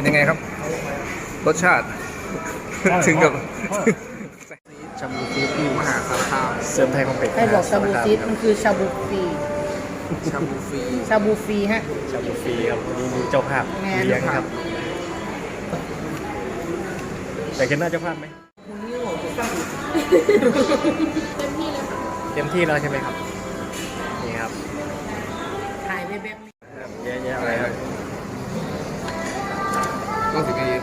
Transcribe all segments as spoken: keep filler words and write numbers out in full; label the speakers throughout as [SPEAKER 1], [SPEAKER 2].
[SPEAKER 1] เป็นยังไงครับรสชาติถึงกับ
[SPEAKER 2] ชาบูฟีที่
[SPEAKER 1] มหาสารคาม
[SPEAKER 2] เสริมไทยคอมเพล็กซ์
[SPEAKER 3] ให้บอกชาบูซีดมันคือชาบูฟรี
[SPEAKER 1] ชาบูฟรี
[SPEAKER 3] ชาบูฟรีฮะ
[SPEAKER 2] ชาบูฟรีครับนี่มีเจ้าภาพ
[SPEAKER 3] แม่
[SPEAKER 2] เลี้ยงครับ แต่คิดหน้าเจ้าภาพไหมเต็มที่แล้วใช่ไหมครับนี่ครับ
[SPEAKER 3] ถ่ายไปแบบ
[SPEAKER 2] เยอะแยะอะไรครับ
[SPEAKER 1] ก็ถึงไอ้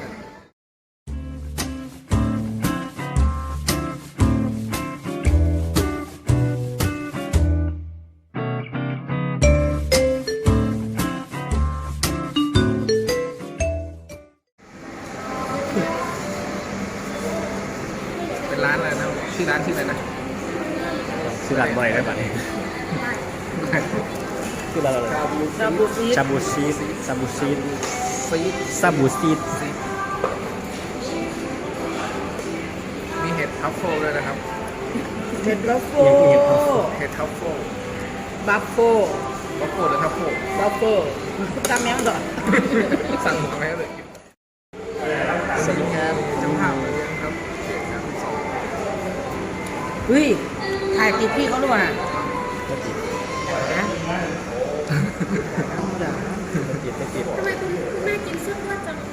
[SPEAKER 1] เป็นร้านอะไรนะชื่อร้านชื่ออะไรนะ
[SPEAKER 2] ชื่อร้านบ่อยได้ป่ะนี่ชื่อร้านอะไร
[SPEAKER 3] ชาบูซีด
[SPEAKER 2] ชาบูซีดชาบูซีด
[SPEAKER 1] ซีด
[SPEAKER 2] ซาบูซีด
[SPEAKER 1] ซีดมีเห็ดทัฟเฟิลด้วยนะครับ
[SPEAKER 3] เห็ดบัฟโฟ
[SPEAKER 1] เห็ดทัฟเฟิล
[SPEAKER 3] บัฟโฟ
[SPEAKER 1] บัฟเฟิลหรือทัฟเฟิล
[SPEAKER 3] บัฟโฟตามแมวดอด
[SPEAKER 1] สั่งหมดไหมเลยสวัสดีครับเจ้าภาพมาเลี้ยงครับเด็กครับสอง
[SPEAKER 3] เฮ้ยถ่ายติดพี่เขาด้วยนะ
[SPEAKER 2] ไม่ติด
[SPEAKER 3] นะ
[SPEAKER 2] ไม่ติดไม่ติด
[SPEAKER 4] ทำไมคุณแม่กินเสื้อผ้าจัง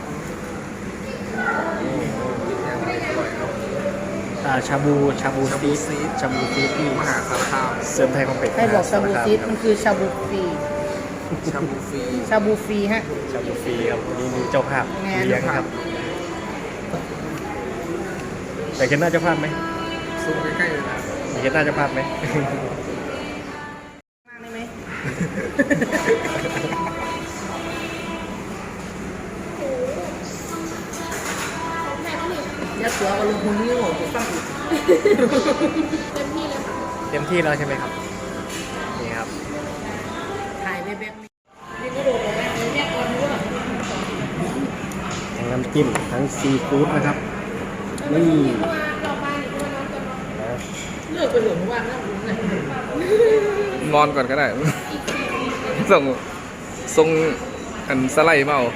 [SPEAKER 2] อ่าชาบูชาบู
[SPEAKER 1] ชาบู
[SPEAKER 2] ซี
[SPEAKER 1] ซี
[SPEAKER 2] ด
[SPEAKER 1] ด
[SPEAKER 2] ชาบูซีดที่
[SPEAKER 1] มหาสารคาม
[SPEAKER 2] เสริมไทยคอมเพล็กซ์
[SPEAKER 3] ให้บอกชาบูซีดมันคือชาบูฟรี
[SPEAKER 1] ชาบูฟรี
[SPEAKER 3] ชาบูฟรีฮะ
[SPEAKER 2] ชาบูฟรีครับนี่มีเจ้าภาพ
[SPEAKER 3] แม่
[SPEAKER 2] เลี้ยงครับ แต่คิดหน้าเจ้าภาพไหม
[SPEAKER 1] ซูมใกล้ๆเลยนะ
[SPEAKER 2] แต่คิดหน้าเจ้าภาพไหม
[SPEAKER 3] มากได้ไหมยัดตัวเอาลงหุ่นนิ้วผมฟังอีก
[SPEAKER 4] เต็มที่เลยค่ะ
[SPEAKER 2] เต็มที่แล้วใช่ไหมครับนี่ครับ
[SPEAKER 3] ถ่ายไปแบบนี้นี่ก็โดดออกมาเลยแม่ก่อนด้วย
[SPEAKER 2] ทั้งน้ำจิ้มทั้งซีฟู้ดนะครับ
[SPEAKER 4] นี่
[SPEAKER 2] นี่
[SPEAKER 4] ตัวเราไปหรือตัวน้องตัวน้อง
[SPEAKER 2] นะ
[SPEAKER 3] เลิกไปเหลืองว่างแล้วผมเลย
[SPEAKER 1] นอนก่อนก็ได้ ส่งส่งอันสไลด์มาเอา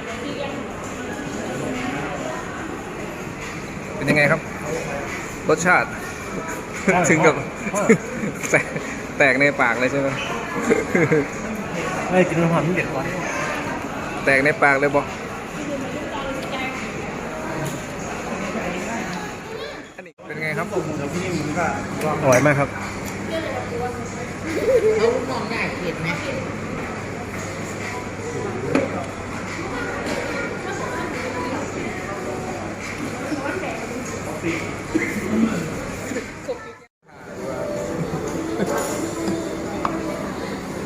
[SPEAKER 1] เป็นยังไงครับ รสชาติ ถึงกับ แตกแตกในปากเลยใช่ไหม
[SPEAKER 2] ไม่กินน้ำหอมที่เด็ดกว่า
[SPEAKER 1] แตกในปากเลยบออันนี้เป็นไงครับ
[SPEAKER 2] อร่อยมากครับ
[SPEAKER 3] เขาลูกน้องได้เห็นไหม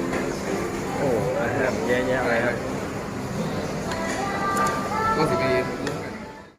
[SPEAKER 2] โอ้อาหารเยอะแยะอะไรครับ
[SPEAKER 1] ก็ถึงไอ้